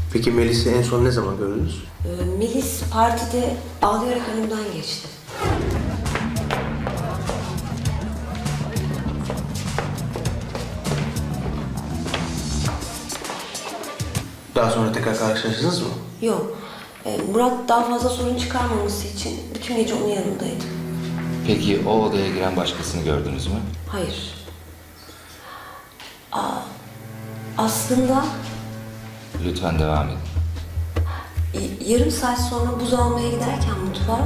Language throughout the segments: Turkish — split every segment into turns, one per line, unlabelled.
Peki Melis'i en son ne zaman gördünüz?
Melis partide ağlayarak önümden geçti.
Daha sonra tekrar karşılaştınız mı?
Yok. Murat daha fazla sorun çıkarmaması için bütün gece onun yanındaydı.
Peki o odaya giren başkasını gördünüz mü?
Hayır. Aslında
Lütfen devam edin.
yarım saat sonra buz almaya giderken mutfağa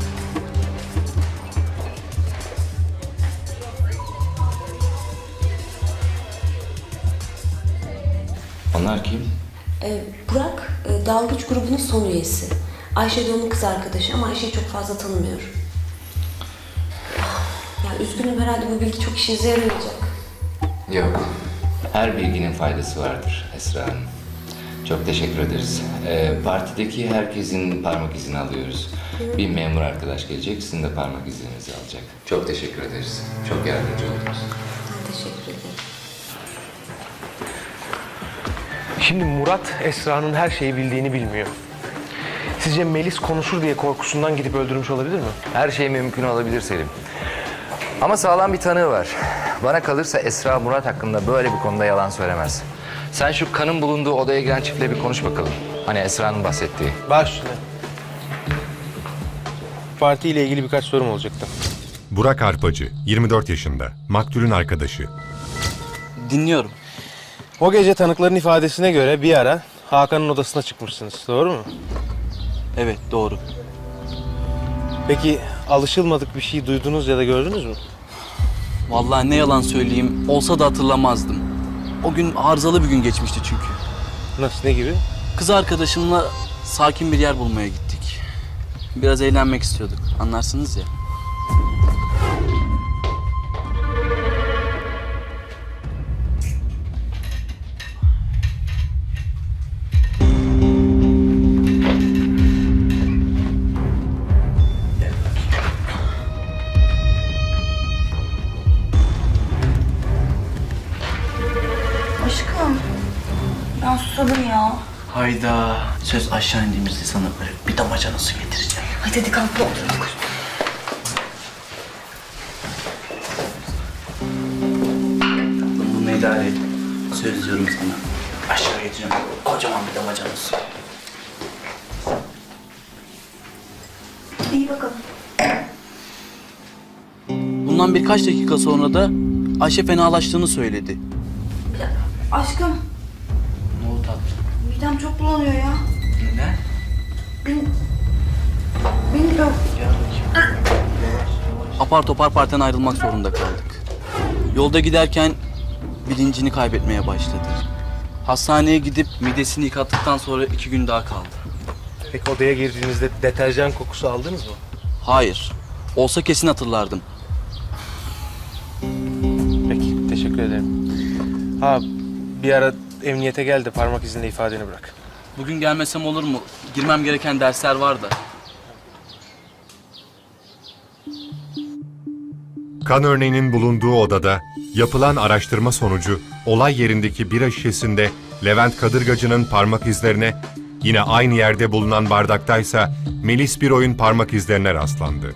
Onlar kim?
Burak dalgıç grubunun son üyesi. Ayşe de onun kız arkadaşı ama Ayşe'yi çok fazla tanımıyorum. Ya üzgünüm, herhalde bu bilgi çok işinize yaramayacak.
Yok. Her bilginin faydası vardır Esra Hanım. Çok teşekkür ederiz. Partideki herkesin parmak izini alıyoruz. Bir memur arkadaş gelecek, sizin de parmak izlerinizi alacak. Çok teşekkür ederiz. Çok yardımcı oldunuz.
Ben teşekkür ederim.
Şimdi Murat, Esra'nın her şeyi bildiğini bilmiyor. Sizce Melis konuşur diye korkusundan gidip öldürmüş olabilir mi?
Her şey mümkün olabilir Selim. Ama sağlam bir tanığı var. Bana kalırsa Esra Murat hakkında böyle bir konuda yalan söylemez. Sen şu kanın bulunduğu odaya giren çiftle bir konuş bakalım. Hani Esra'nın bahsettiği.
Baş üstüne. Partiyle ilgili birkaç sorum olacaktı.
Burak Arpacı, 24 yaşında, maktulün arkadaşı.
Dinliyorum.
O gece tanıkların ifadesine göre bir ara Hakan'ın odasına çıkmışsınız, doğru mu?
Evet, doğru.
Peki alışılmadık bir şey duydunuz ya da gördünüz mü?
Vallahi ne yalan söyleyeyim, olsa da hatırlamazdım. O gün arızalı bir gün geçmişti çünkü.
Nasıl, ne gibi?
Kız arkadaşımla sakin bir yer bulmaya gittik. Biraz eğlenmek istiyorduk, anlarsınız ya.
Aşkım, ben susadım ya.
Hayda, söz aşağı indiğimizde sana böyle bir damacana su getireceğim.
Hadi kalk da otur.
Bunu idare et. Söz diyorum sana. Aşağı getireceğim, kocaman bir damacana su.
İyi bakalım.
Bundan birkaç dakika sonra da Ayşe fenalaştığını söyledi.
Aşkım,
Ne oldu tatlım?
midem çok bulanıyor ya.
Neden?
Bilmiyorum.
Apar topar partiden ayrılmak zorunda kaldık. Yolda giderken bilincini kaybetmeye başladı. Hastaneye gidip midesini yıkattıktan sonra 2 gün daha kaldı.
Peki odaya girdiğinizde deterjan kokusu aldınız mı?
Hayır. Olsa kesin hatırlardım.
Peki, teşekkür ederim. Ha, bir ara emniyete gel de parmak izinde ifadeni bırak.
Bugün gelmesem olur mu? Girmem gereken dersler var da.
Kan örneğinin bulunduğu odada yapılan araştırma sonucu olay yerindeki bira şişesinde Levent Kadırgacı'nın parmak izlerine, yine aynı yerde bulunan bardaktaysa Melis Biroy'un parmak izlerine rastlandı.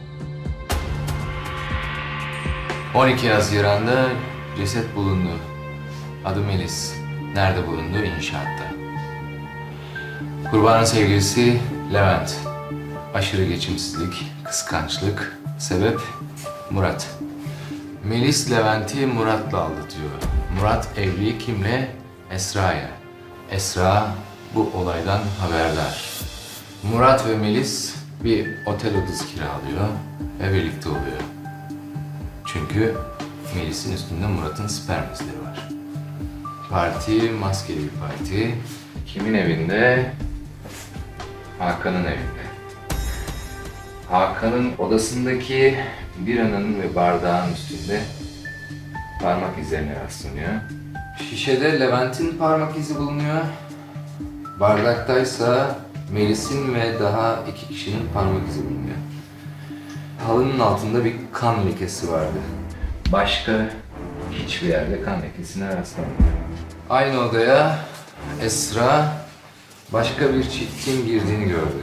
12 Haziran'da ceset bulundu. Adı Melis. Nerede bulundu? İnşaatta. Kurbanın sevgilisi Levent. Aşırı geçimsizlik, kıskançlık. Sebep Murat. Melis Levent'i Murat'la aldatıyor. Murat evli kimle? Esra'ya. Esra bu olaydan haberdar. Murat ve Melis bir otel odası kiralıyor ve birlikte oluyor. Çünkü Melis'in üstünde Murat'ın sperm izleri var. Parti maskeli bir parti. Kimin evinde? Hakan'ın evinde. Hakan'ın odasındaki biranın ve bardağın üstünde parmak izlerine rastlanıyor. Şişede Levent'in parmak izi bulunuyor. Bardaktaysa Melis'in ve daha 2 kişinin parmak izi bulunuyor. Halının altında bir kan lekesi vardı. Başka hiçbir yerde kan lekesine rastlanmadı. Aynı odaya Esra
başka bir çiftin girdiğini gördü.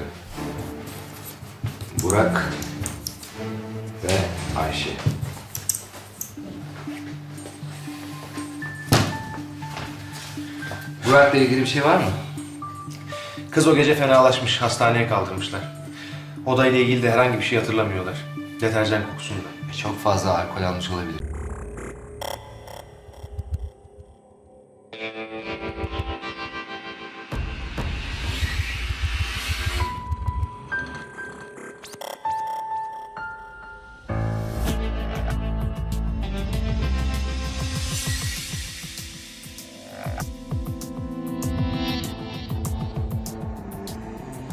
Burak ve Ayşe. Burak'la ilgili bir şey var mı?
Kız o gece fenalaşmış, hastaneye kaldırmışlar. Odayla ilgili de herhangi bir şey hatırlamıyorlar. Deterjan kokusunda.
Çok fazla alkol almış olabilir.